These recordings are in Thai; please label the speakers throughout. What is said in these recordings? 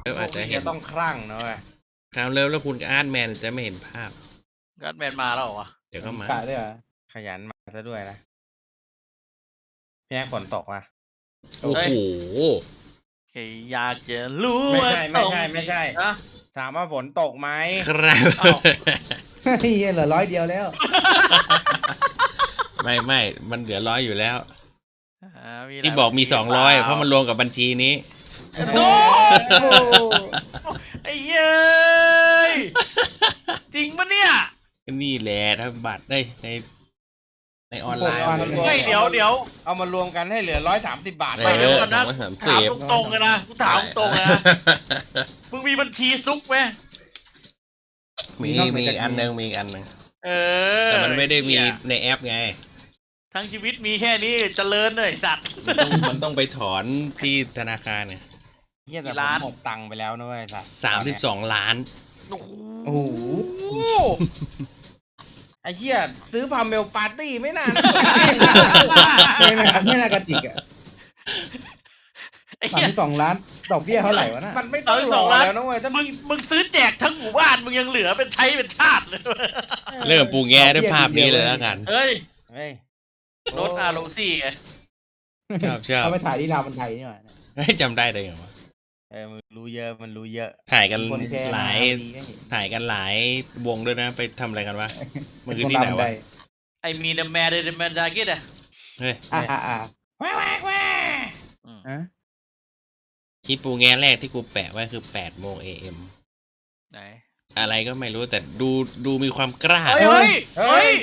Speaker 1: อาจจะเห็น
Speaker 2: ต้องคลั่งนะเว้ย
Speaker 1: คราวแล้วคุณกับอาร์ตแมนจะไม่เห็นภาพ
Speaker 3: ก็แมนมาแล้วเหรอวะ
Speaker 1: เดี๋ยวก็มา
Speaker 4: กะด้วยเหรอ
Speaker 2: ขยันมาซะด้วยนะพี่แอ๊กฝนตกว่ะ
Speaker 1: โอ้โห
Speaker 3: แค่อยากจะรู้
Speaker 2: ไม่
Speaker 3: ว่า
Speaker 2: ใช่ไม่ใช่
Speaker 3: อะ
Speaker 2: ถามว่าฝนตกไหม
Speaker 1: ครับ
Speaker 3: อ้าว
Speaker 4: เฮียเหลือ100 เดียวแล้ว
Speaker 1: ไม่มันเหลือ100อยู่แล้ว
Speaker 3: มีหลาย
Speaker 1: ที่บอกมี
Speaker 3: บัญชี
Speaker 1: 200เพราะมันรวมกับบัญชีนี้
Speaker 3: โอ้
Speaker 4: โอ้
Speaker 3: ไอ้เย้ยจริงปะเนี่ย
Speaker 1: นี่แหละถ้าบัตรได้ในออนไลน์
Speaker 3: ไม่เดี๋ยว
Speaker 2: เอามารวมกันให้เหลือ130 บาท
Speaker 1: เอ
Speaker 3: ไปเดี๋ยว
Speaker 1: อ
Speaker 3: ก่อนนะ
Speaker 1: 230
Speaker 3: ถามตรงๆเลยนะกูถามตรงๆเลยนะมึงมีบัญชีซุกไหม
Speaker 1: มีอีกอันหนึง
Speaker 3: เออ
Speaker 1: แต่มันไม่ได้มี
Speaker 3: เหี้ย
Speaker 1: ในแอปไง
Speaker 3: ทั้งชีวิตมีแค่นี้เจริญเลยสัตว์
Speaker 1: มันต้องไปถอนที่ธนาคารเนี่ย
Speaker 2: เฮียแต่
Speaker 3: กี่
Speaker 2: ผ
Speaker 3: ล้าน
Speaker 2: มหมดตังค์ไปแล้วนะเว้ยสัตว์
Speaker 1: 32 ล้าน
Speaker 3: โอ้โห
Speaker 4: โอ้โห
Speaker 2: ไอ้เฮียซื้อพาเมลปาร์ตี้ไม่นาน
Speaker 4: ไม่น่ากระจิกอ่ะ
Speaker 3: ไอ้เหี้ย
Speaker 4: 32 ล้านดอกเบี้ยเท่าไหร่วะน่ะ
Speaker 2: มันไม่ต้องรอแล้วนะเว้ยถ้า
Speaker 3: มึงซื้อแจกทั้งหมู่บ้านมึงยังเหลือเป็นใช้เป็นชาติเลย
Speaker 1: เริ่มปูแง่ด้วยภาพนี้เลยแล้วกัน
Speaker 3: เฮ้ย
Speaker 2: เฮ้ย
Speaker 3: รถอาโรซี่ไง
Speaker 1: ชอบ
Speaker 4: เอาไปถ่ายที่รามบันไทยนี่หว่า
Speaker 1: ให้จำได้เลยเหรอวะ
Speaker 2: มันรู้เยอะ
Speaker 1: ถ่ายกัน
Speaker 4: คนแค่
Speaker 1: หลาย
Speaker 4: ดีก็เห็น
Speaker 1: ถ่ายกันหลายวงด้วยนะ ไปทำอะไรกันวะ มันคือที่ไหนวะ
Speaker 3: ไอมีเดแมเดแมนดากิดอะ
Speaker 1: เฮ้ย
Speaker 4: อ่า
Speaker 2: แว่แว่
Speaker 4: อ่ะ
Speaker 1: คลิปปูแง่แรกที่กูแปะไว้คือ8 โมง AM
Speaker 3: ไหน
Speaker 1: อะไรก็ไม่รู้แต่ดูมีความกล้า
Speaker 3: เฮ้ย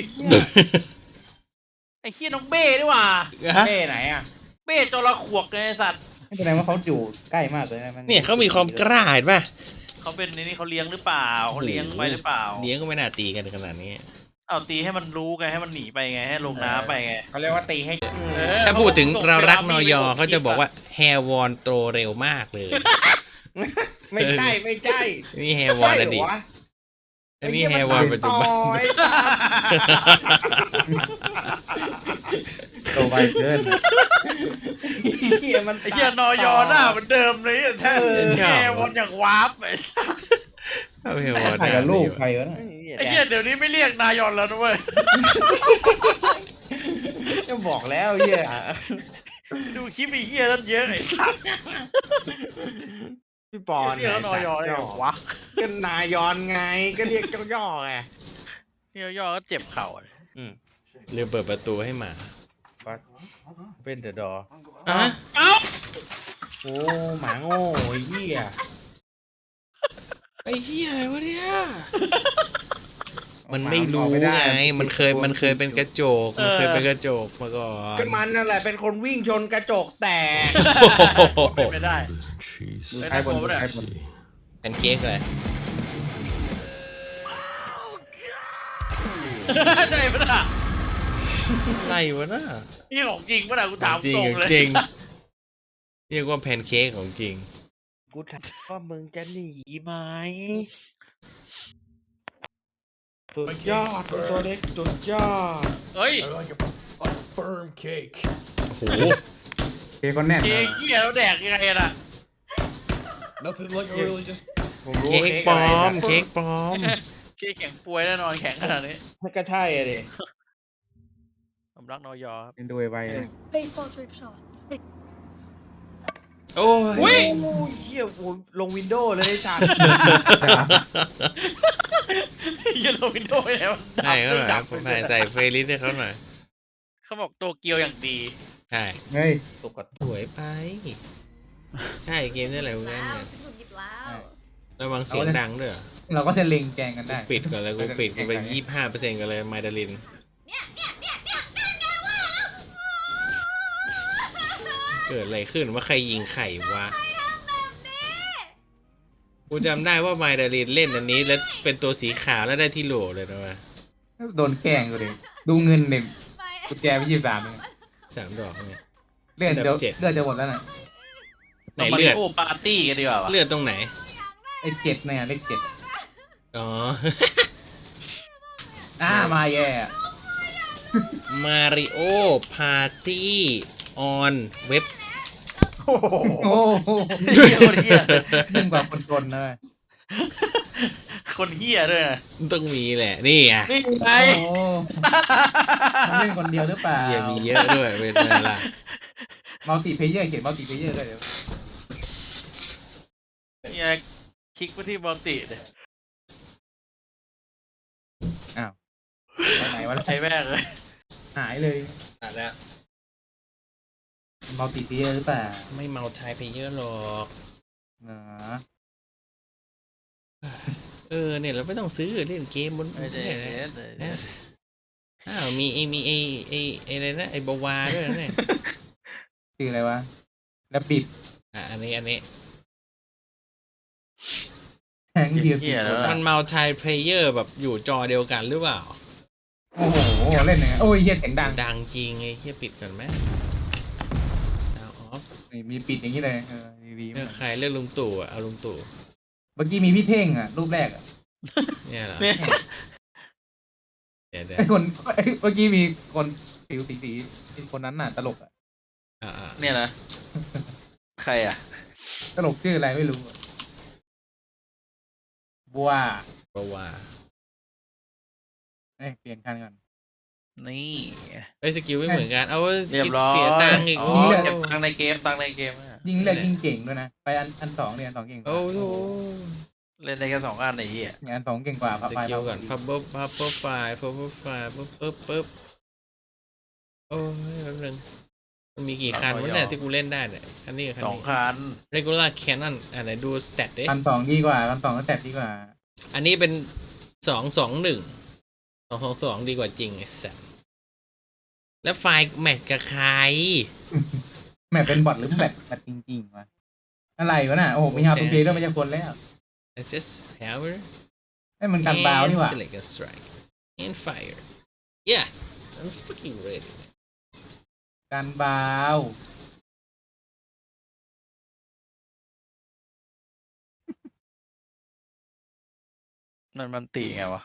Speaker 3: ไอเฮียน้องเบ้ด้วยว่ะ
Speaker 1: ฮะ
Speaker 2: เป้ไหนอ่ะ
Speaker 3: เบ้จระขวกไงไอ้สัตว์
Speaker 4: ไม่แสดงว่าเขาอยู่ใกล้มากเลยนะ
Speaker 1: เนี่ยเขามีความกล้าเห็นป่ะ
Speaker 3: เขาเป็นในนี้เขาเลี้ยงหรือเปล่าเขาเลี้ยงไว้หรือเปล่า
Speaker 1: เลี้ยงก็ไม่น่าตีกันขนาดนี้
Speaker 3: เอาตีให้มันรู้ไงให้มันหนีไปไงให้ลงน้ำไปไง
Speaker 2: เขาเรียกว่าตีให้
Speaker 1: ถ้าพูดถึงเรารักนอยอเขาจะบอกว่าแฮร์วอนโตเร็วมากเลย
Speaker 2: ไม่ใช่
Speaker 1: นี่แฮร์วอนอดีตอันนี้แฮร์วอนปัจจุบัน
Speaker 4: โตไปเกิน
Speaker 2: เฮียมัน
Speaker 3: ไอเฮียนอยอหน้าเหมือนเดิมเลยแท้แค่วนอย่างวาร์ปไ
Speaker 1: เอาแฮร์วอน
Speaker 4: ถ่ายกับลูกใครวะน่ะ
Speaker 3: อ้เฮียเดี๋ยวนี้ไม่เรียกนายอนแล้วนะเว้ย
Speaker 2: จะบอกแล้วเฮีย
Speaker 3: ดูคลิปไอ้เฮียนั่นเยอะไอ้สัส
Speaker 2: พี่ปอน
Speaker 3: เรียกนอยอได้เหรอวะ
Speaker 2: ก็นายอนไงก็เรียกเจ้าย่อไง
Speaker 3: นี่ย่อก็เจ็บเข่าเลย
Speaker 1: ลืมเปิดประตูให้หมา
Speaker 2: เป็นเดอะดอ
Speaker 1: อ่ะ
Speaker 3: เอ้า
Speaker 2: โอ้หมาโง่ไอ้เหี้ย
Speaker 1: ไอ้เหี้ยอะไรวะเนี่ย มันไม่รู้ไง มันเคยเป็นกระจก มันเคยเป็นกระจกมาก่อน
Speaker 2: ก็มันนั่นแหละเป็นคนวิ่งชนกระจกแตก
Speaker 3: เป็นไม่ได้
Speaker 4: ดู
Speaker 3: เป็น
Speaker 4: ท้ายบน
Speaker 3: ไอ้โฟมเนี่ย
Speaker 4: ท้ายบน
Speaker 1: เป็นเค้กเลย
Speaker 3: ใช่ปะน่ะ
Speaker 1: อะไรวะน่ะ
Speaker 3: นี่ของจริงปะน่ะกูถาม
Speaker 1: จริ
Speaker 3: ต
Speaker 1: ง
Speaker 3: รงเลย
Speaker 1: จริงเรียกว่าแพนเค้กของจริง
Speaker 2: กูถามว่ามึงจะหนีไหมสุดยอดตัวเล็กสุดยอด
Speaker 3: เฮ้ย
Speaker 5: I like a firm cake.
Speaker 1: โอ้โห
Speaker 4: เค้กคนแน่น
Speaker 3: เค้กเหี้ยแล้วแดกยังไงน่ะ
Speaker 5: Nothing like really just
Speaker 2: ผมรู้
Speaker 1: เค้กปลอม เค้กปลอม
Speaker 3: เค้กแข็งป่วยแน่นอนแข็งขนาดนี้
Speaker 2: มันก็ใช่อะดิ
Speaker 3: ผมรักนอยอครับ
Speaker 4: เป็นดูไวเลย
Speaker 6: Baseball trick shots.
Speaker 1: โอ้ย
Speaker 2: โอ้ยเหี้ยโอ้ยลงวินโดว์เลยไอ้สัตว์
Speaker 3: ยันลงวินโดว์แล้ว
Speaker 1: ใช่เขาหน่อยผมใส่เฟรลิสให้เขาหน่อย
Speaker 3: เขาบอกโตเกียวอย่างดี
Speaker 1: ใช่
Speaker 4: เฮ้ย
Speaker 2: ตกกระ
Speaker 1: สวยไป ใช่เกมนี่อะไรวะเนี่ย
Speaker 6: ว้าวฉันถูกหยิบแล้ว
Speaker 1: ระวังเสียงดังด้วยเหรอ
Speaker 4: เราก็จะเล็งแกงกันได้
Speaker 1: ปิดก่อนเลยกูปิดกูไป25%กันเลยไมดาลิน เกิดอะไรขึ้นว่าใครยิงไข่วะ กูจำได้ว่าไมดาลินเล่นอันนี้แล้วเป็นตัวสีขาวแล้วได้ที่โหลเลยนะวะ
Speaker 4: โดนแกล้งกูดิดูเงินเนี่ยกุญแจไป23เนี่ย
Speaker 1: 3 ดอกเนี่ย
Speaker 4: เลือดเดี๋ยวเลือดจะหมดแล้วน่ะ
Speaker 1: ไหน
Speaker 3: เรามา
Speaker 1: เลือด
Speaker 3: โอ้ปาร์ตี้กันดีกว่าวะ
Speaker 1: เลือดตรงไหน
Speaker 4: ไอ้7เนี่ยเลข7
Speaker 1: อ๋อ
Speaker 4: มาแย่
Speaker 1: มาริโอพาร์ตี้ออนเว็บ
Speaker 3: โห
Speaker 4: โอ้โห
Speaker 3: เหี้ยคนเหี้ย
Speaker 4: ยิ่งกว่าคนจนเลย
Speaker 3: คนเหี้ยด้วยนะ
Speaker 1: ต้องมีแหละนี่อ่ะ
Speaker 3: นี่ไง
Speaker 4: โอ้โหมันเล่นคนเดียวหรือเปล่า
Speaker 1: เหี้ยมีเยอะด้วยเป็นไงล่ะ
Speaker 4: มัลติเพเยอร์เขียนมัลติเพเยอร์ด้วยเดี๋ยว
Speaker 3: เนี่ยคลิกไปที่บอลติเลย
Speaker 4: อ้าวไปไหนวะ
Speaker 3: ไอ้แม่งเลย
Speaker 4: หายเลย
Speaker 1: อ่ะแล้ว
Speaker 4: มัลติเพเยอร์หรือเปล่า
Speaker 1: ไม่เมาไทยไปเยอะหรอก
Speaker 4: อ๋อ
Speaker 1: เนี่ยเราไม่ต้องซื้อเล่นเกมบน
Speaker 3: ไม่ได้
Speaker 1: เนี่ยนะอ้าวมีอะไรนะไอ้บาวาด้วยนะเนี่ย
Speaker 4: คืออะไรวะแล้วปิด
Speaker 1: อันนี้
Speaker 4: แทงเดียวปิดหมด
Speaker 1: มันเมาไทยเพลเยอร์แบบอยู่จอเดียวกันหรือเปล่า
Speaker 4: โอ้โหเล่นยังไงโอ้ยเฮียเสียงดัง
Speaker 1: ดังจริงไอ้เฮียปิดก่อนไหมเอาออฟ
Speaker 4: นี่มีปิดอย่างนี้เลยดี
Speaker 1: เลือกใครเลือกลุงตู่อ่ะเอาลุงตู่
Speaker 4: เมื่อกี้มีพี่เท่งอ่ะรูปแรกอ่ะ
Speaker 1: เนี่ยเหรอ
Speaker 3: เนี่ย
Speaker 1: เดี๋ยว
Speaker 4: ไอ้คนเมื่อกี้มีคนผิวสีคนนั้นน่ะตลกอ่ะ
Speaker 3: เนี่ยนะ ใครอ่ะ
Speaker 4: ตลกชื่ออะไรไม่รู้อะบัว
Speaker 1: บาวา
Speaker 4: เปลี่ยนคันก่อน
Speaker 3: นี่
Speaker 1: ไอ้สกิลไม่เหมือนกันเอา
Speaker 3: เรียบร้อย
Speaker 1: เสียตังค์อีก
Speaker 3: อ๋
Speaker 1: โอ้
Speaker 3: อ
Speaker 1: โห
Speaker 3: เก็บตังค์ในเกมตังค์ในเกมอะ
Speaker 4: ยิงเลือกยิงเก่งด้วยนะไปอันสองเนี่ยอันสองเก่งกว่า
Speaker 1: โอ้โห
Speaker 3: เล่นได้แค่2 อันไอ้เหี้ย
Speaker 4: เนี่ยอันสองเก่งกว่า
Speaker 1: สกิลก่อนพับเบิ้ลไฟปึ๊บโอ้ยแป๊บนึงมันมีกี่คันวะเนี่ยที่กูเล่นได้เนี่ยคันนี้กับคันนี้
Speaker 3: 2 คัน
Speaker 1: regular cannon ไหนดูสเตตดิ
Speaker 4: อันสองดีกว่าอันสองก็แตกดีกว่า
Speaker 1: อันนี้เป็น221ดีกว่าจริงไอ้สัสแล้วไฟล์แมทช์กับใคร
Speaker 4: แมปเป็นบอทหรือแบบจริงๆวะอะไรวะน่ะโอ้โหมีฮาร์ปเพย์ด้วยไม่ใช่คนแล้ว
Speaker 1: I just hammer
Speaker 4: ไอ้มันกันบาวนี่หว่า
Speaker 1: select and strike and fire yeah I'm fucking ready
Speaker 4: กันบาว
Speaker 3: มันตีไงวะ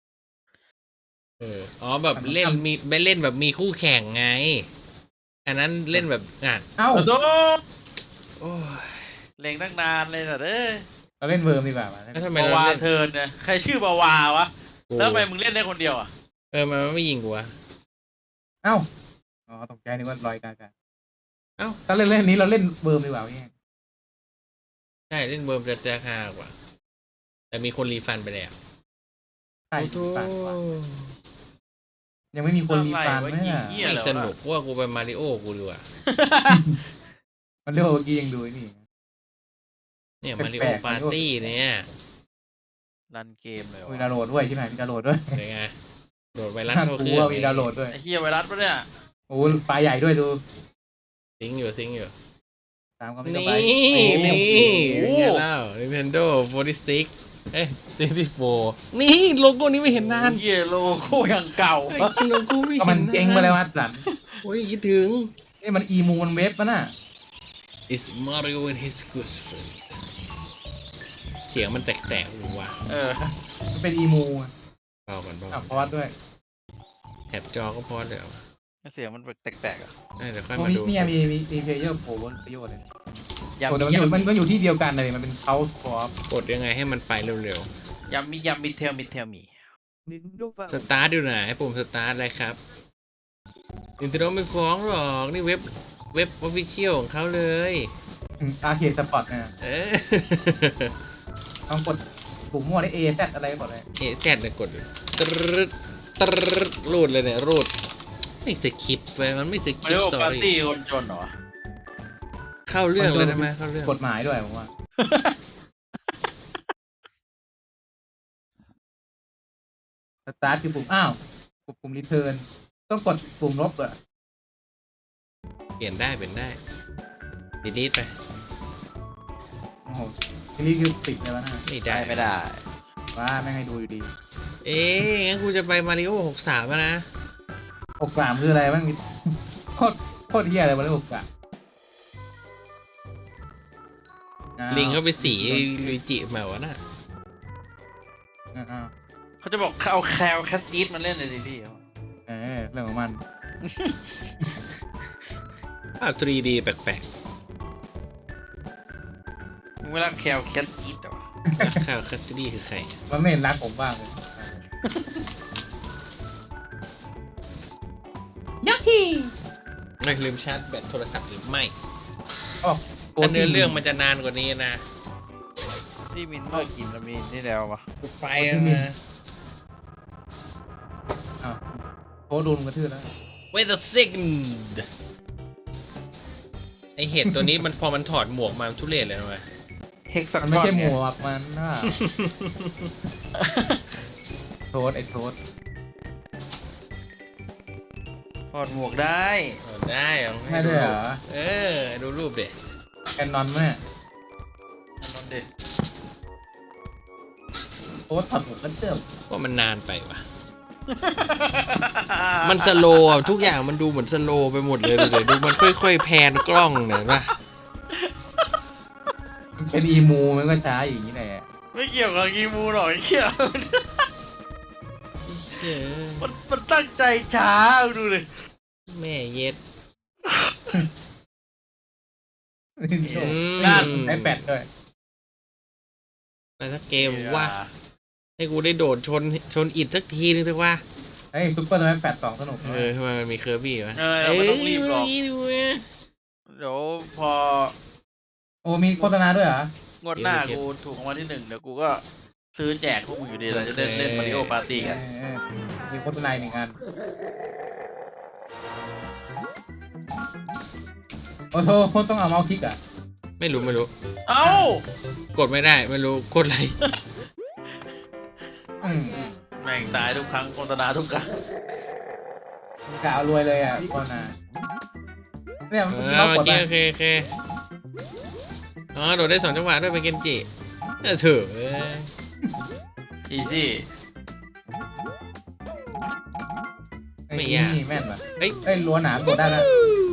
Speaker 1: อ๋อแบบเล่นมีไม่เล่นแบบมีคู่แข่งไง อันนั้นเล่นแบบ
Speaker 4: เอ้า
Speaker 3: โอ้โห
Speaker 1: โอ้ย
Speaker 3: เล็งตั้งนานเลยสัตว์เอ้ย
Speaker 4: เราเล่นเวิร์มดีกว่าวะ
Speaker 1: แล้วทำไม
Speaker 3: บา
Speaker 1: เรา
Speaker 3: วา
Speaker 1: เล่น
Speaker 3: เทิร์นเนี่ยใครชื่อบาวาวะ
Speaker 1: กู
Speaker 3: แล้วทำไมมึงเล่นได้คนเดียวอ่ะ
Speaker 1: มันไม่ยิงกูวะ
Speaker 4: เอ้าอ๋อตกใจนึกว่าลอยกากา
Speaker 1: เอ้า
Speaker 4: ถ้าเล่นนี้เราเล่นเวิร์มดีกว่าเนี่ย
Speaker 1: ใช่เล่นเบิร์มจะฮากว่า แต่มีคนรีฟันไปแล้ว
Speaker 4: ใช่
Speaker 1: โอ้โธ่
Speaker 4: ปั่นกว่ายังไม่มีคนรีฟัน
Speaker 3: อะไร
Speaker 4: ไหม
Speaker 3: วะยิง
Speaker 4: อ่ะ
Speaker 3: เหี้ย
Speaker 1: ไม่สนุกว่ากูไปมาริโอกูดีกว่า
Speaker 4: มันเรียกว่าเมื่อกี้ยังดูไอ้นี่
Speaker 1: เนี่ย
Speaker 4: แปลกๆ
Speaker 1: มาริโอปาร์ตี้เนี่ย
Speaker 3: รันเกมเลยวะ
Speaker 4: มีดาวน์โหลดด้วยใช่ไหมมีดาวน์โหลดด้วย
Speaker 1: เป็นไงโดดไวรัส
Speaker 4: น่า
Speaker 1: เข้าก เค
Speaker 4: ลั
Speaker 1: รื่
Speaker 4: ว
Speaker 1: อง
Speaker 4: มีดาวน์โหลดด้วย
Speaker 3: ไอ้เหี้ยไวรัสปะเนี่ย
Speaker 4: โอ้ปลาใหญ่ด้วยดู
Speaker 1: ซิงค์อยู่
Speaker 4: ตามความ
Speaker 1: นี่
Speaker 4: เข้าไป
Speaker 1: นี่
Speaker 3: โอ้
Speaker 1: เป็น
Speaker 3: โห
Speaker 1: ไงเล่า Nintendo 4664นี่โลโก้นี้ไม่เห็นนาน
Speaker 3: เหี้ยโลโก้ยังเก่า
Speaker 1: ไอ้คิโลโก้ไม่
Speaker 4: ก็
Speaker 1: เห็น
Speaker 4: มันเจ๊งไปแล้ววัดสัน
Speaker 1: โอ้ยคิดถึง
Speaker 4: นี่มันอีมูมันเว็บปะน่ะ
Speaker 1: It's Mario and his good friend เสียงมันแตกๆหรือวะ
Speaker 3: เออ
Speaker 4: มันเป็นอีมู
Speaker 1: เบาก่อนเบา
Speaker 4: อ่ะพอดด้วย
Speaker 1: แถบจอก็พอเดี๋ยว
Speaker 3: เสียงมันแตกๆอ่ะ
Speaker 1: เดี๋ยวค่อย
Speaker 4: พวก
Speaker 1: มา
Speaker 4: นี้
Speaker 1: ดู
Speaker 4: เนี่ยมีเพลเยอร์โผล่ประโยชน์เลย
Speaker 3: ยำ
Speaker 4: โอ้แต่
Speaker 3: มี
Speaker 4: มันก็อยู่ที่เดียวกันเลยมันเป็นเขาคอฟ
Speaker 1: กดยังไงให้มันไปเร็วย
Speaker 3: ำมีเทลมี
Speaker 1: ๆ สตาร์ทอยู่ไหนปุ่มสตาร์ทอะไรครับ Nintendo ไม่ฟ้องหรอกนี่เว็บ official ของเขาเลย
Speaker 4: อาร์เคดสปอร์ตเนี่ย
Speaker 1: เออ
Speaker 4: ต้องกดปุ่มมั่วได้ A Z อะไรก็กดเลย
Speaker 1: แจ๊ดเนี่ยกดตรึดตรึดรูดเลยเนี่ยรูดไม่สคริปต์ไปมันไม่สค
Speaker 3: มา
Speaker 1: ริป
Speaker 3: ริโอ
Speaker 1: ต์สตอ
Speaker 3: ปาร์
Speaker 1: รี่
Speaker 3: ตี้คนจนเหรอ
Speaker 1: เข้าเรื่องเลยได้ไหมเข้าเรื่อง
Speaker 4: กฎหมายด้วยผมว่า สตาร์ทคือปุ่มอ้าวกดปุ่มรีเทิร์นต้องกดปุ่มลบอ่ะ
Speaker 1: เปลี่ยนได้ดีดไป
Speaker 4: โอ้โหทีนี้คือติดเลยวะน่ะ
Speaker 1: ไม่ได้
Speaker 3: ไม่ได้
Speaker 4: ว่าไม่ให้ดูอยู่ดี
Speaker 1: เอ๊ะงั้นกูจะไปมาริโอ63แล้วนะ
Speaker 4: 63คืออะไรบ้างโคตรเฮียอะไรมาเลย63อ้าว
Speaker 1: ลิงเข้าไปสีลุยจิมาวะน่ะ
Speaker 4: อ้าว
Speaker 3: เขาจะบอกเอาแคลแคสซีดมาเล่นเลยสิพี่
Speaker 4: เรื่องของมัน
Speaker 1: ภาพ 3D แปลก
Speaker 3: ไม่รักแคลแคสอีทเหรอ
Speaker 1: ข่าวคัสตี้คือใคร
Speaker 4: มันไม่เห็นรักผมบ้างเลยยักษ์ที่
Speaker 1: ไม่ลืมชาร์จแบตโทรศัพท์หรือไม่
Speaker 4: อ๋อ
Speaker 1: แต่เนื้อเรื่องมันจะนานกว่านี้นะ
Speaker 3: ที่มินเมื่อกินแล้วมีนี่แล้ววะ
Speaker 1: กูไปแล้วนะ
Speaker 4: อ้าวโค้ดโดนกระทืบแล้ว
Speaker 1: Wait a second ไอเห็ดตัวนี้มันพอมันถอดหมวกมามันทุเรศเลยนะเว้ย
Speaker 3: เฮกซัก
Speaker 4: มันไม่
Speaker 3: ก้อน
Speaker 4: ใช่ห
Speaker 3: ไง
Speaker 4: มวกมันน่ะโทษไอ้โทษ
Speaker 3: ถอดหมวกได้
Speaker 1: เอาได้เอา
Speaker 4: ไม่ได้เหรอ
Speaker 1: เออ ดูรูปเด็
Speaker 4: แคนนอนแม่
Speaker 3: นอนเด็ด
Speaker 4: โค้ดถอดหมวกกันเติม
Speaker 1: ว่ามันนานไปว่ะ มันสโลว์อะทุกอย่างมันดูเหมือนสโลว์ไปหมดเลยเลยดูมันค่อยๆแพนกล้องเนี่ยนะ
Speaker 4: มันเป็นอีมูมันก็ช้าอย่างนี้แหละ
Speaker 3: ไม่เกี่ยวกับกีมูหรอกไอ้เหี้ย
Speaker 1: เชื่อ
Speaker 3: มันตั้งใจช้าดูเลย
Speaker 1: แม่เย็ด
Speaker 4: นั่นไอแปดด้วย
Speaker 1: อะไรสักเกมว่า ให้กูได้โดดชนอิฐสักทีนึงสักว่า
Speaker 4: ไอ้ซุปเปอร์แมน8 2สนุก
Speaker 1: เออทำไมมันมีเคอร์บี้วะ
Speaker 3: เราไม่ต้องรีบหรอก
Speaker 1: ดูนะ
Speaker 3: เดี๋ยวพอ
Speaker 4: โอ้มีโฆษณาด้วยเหรอ
Speaker 3: งวดหน้ากูถูกรางวัลที่ 1เดี๋ยวกูก็ซื้อแจกพวกมึงอยู่ดีเราจะเล่นมาริโอปาร์ตี้กัน
Speaker 4: เออมีโฆษณาหนึ่งอันโอ้โหต้องเอาเมาส์คลิกอ่ะ
Speaker 1: ไม่รู้
Speaker 3: เอ้าก
Speaker 1: ดไม่ได้ไม่รู้กดอะไร
Speaker 3: แม่งตายทุกครั้งโฆษณาทุกครั้ง
Speaker 4: กะเอารวยเลยอ่ะโฆษณาเนี่ยมัน
Speaker 1: โอ
Speaker 4: กด
Speaker 1: เค
Speaker 4: ไป
Speaker 1: โอเคอ๋อโดดได้2 จังหวะด้วยเป็นเกนจิเถอะ
Speaker 3: อีซี่
Speaker 1: ไม่ยาก
Speaker 4: นี่แม่นว่ะ
Speaker 1: เอ้ย
Speaker 4: เอ้ยล้วนหนามกดได้แล้ว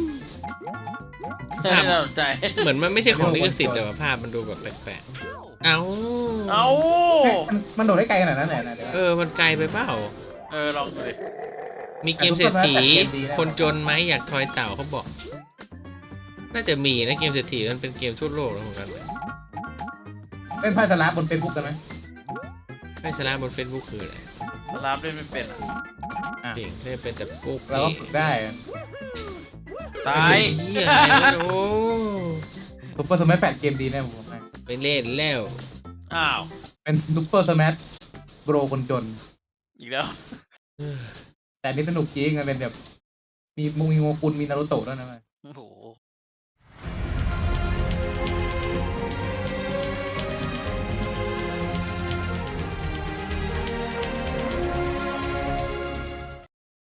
Speaker 3: ใช่น่าสนใจ
Speaker 1: เหมือนมันไม่ใช่ของลิขสิทธิ์แต่ว่าภาพมันดูแบบแปลกๆ เอ้า
Speaker 3: เอ้า
Speaker 4: เฮ้ยมันโดดได้ไกลขนาดนั้นเลยนะเดี๋ยว
Speaker 1: มันไกลไปเปล่า
Speaker 3: ลองดูดิ
Speaker 1: มีเกมเศรษฐี คนจนไหมอยากทอยเต่าเขาบอก น่าจะมีนะเกมเศรษฐีมันเป็นเกมทั่วโลกแล้วเหมือนกัน
Speaker 4: เล่นไพ่สลับบนเฟซบุ๊กกันไหม
Speaker 1: ให้ชนะบนเฟซบุ๊กคืออะไร
Speaker 3: สลามเล่นไม่เป็นอะ
Speaker 4: อ่ะ
Speaker 1: เก่งได้เป็นแต่ปุ๊ก
Speaker 4: เราก็ฝึกได้อะ
Speaker 3: ตาย
Speaker 1: เหี้ยอะไรวะโอ้
Speaker 4: ซุปเปอร์สมัช8เกมดีแน่ผมบอกให้
Speaker 1: ไปเล่นแล้ว
Speaker 3: อ้าว
Speaker 4: เป็นซุปเปอร์สมัชโบรคนจน
Speaker 3: อีกแล้ว
Speaker 4: แต่อันนี่สนุกจริงมันเป็นแบบมีโงกุลมีนารูโตะด้วยนะเว้ย
Speaker 3: โอ้โห